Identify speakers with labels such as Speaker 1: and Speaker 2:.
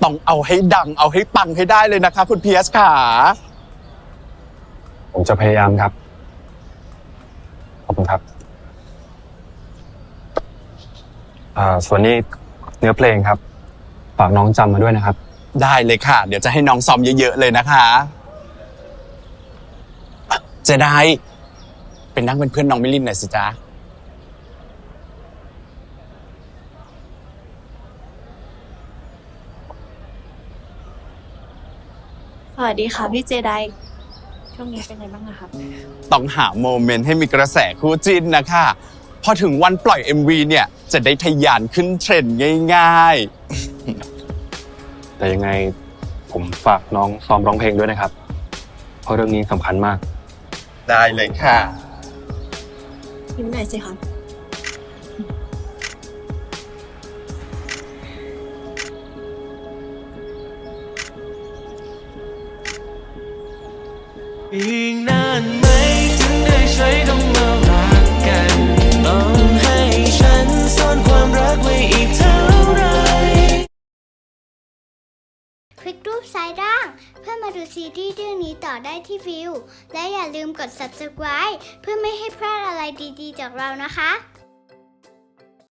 Speaker 1: ต้องเอาให้ดังเอาให้ปังให้ได้เลยนะคะคุณเพียสค่ะ
Speaker 2: ผมจะพยายามครับขอบคุณครับส่วนนี้เนื้อเพลงครับฝากน้องจำมาด้วยนะครับ
Speaker 1: ได้เลยค่ะเดี๋ยวจะให้น้องซ้อมเยอะๆเลยนะคะเจไดเป็นนั่งเป็นเพื่อนน้องมิลินหน่อยสิจ๊ะ
Speaker 3: สวัสดีค่ะพี่เจไดช่วงนี้เป็นไงบ้างอะคะ
Speaker 1: ต้องหาโมเมนต์ให้มีกระแสคู่จิ้นนะคะพอถึงวันปล่อย MV เนี่ยจะได้ทะยานขึ้นเทรนด์ง่าย
Speaker 2: แต่ยังไงผมฝากน้องซ้อมร้องเพลงด้วยนะครับเพราะเรื่องนี้สำคัญมาก
Speaker 1: ๆได้เลยค่ะ
Speaker 3: ยิ้มหน่อยสิคะ
Speaker 4: อีกนานไหมถึงได้ใช้คำว่ารักกันต้องให้ฉันซ่อนความรักไว้อีกเท่าไร
Speaker 5: คลิกรูปซ้ายล่างเพื่อมาดูซีรีส์เรื่องนี้ต่อได้ที่วิวและอย่าลืมกด subscribe เพื่อไม่ให้พลาดอะไรดีๆจากเรานะคะ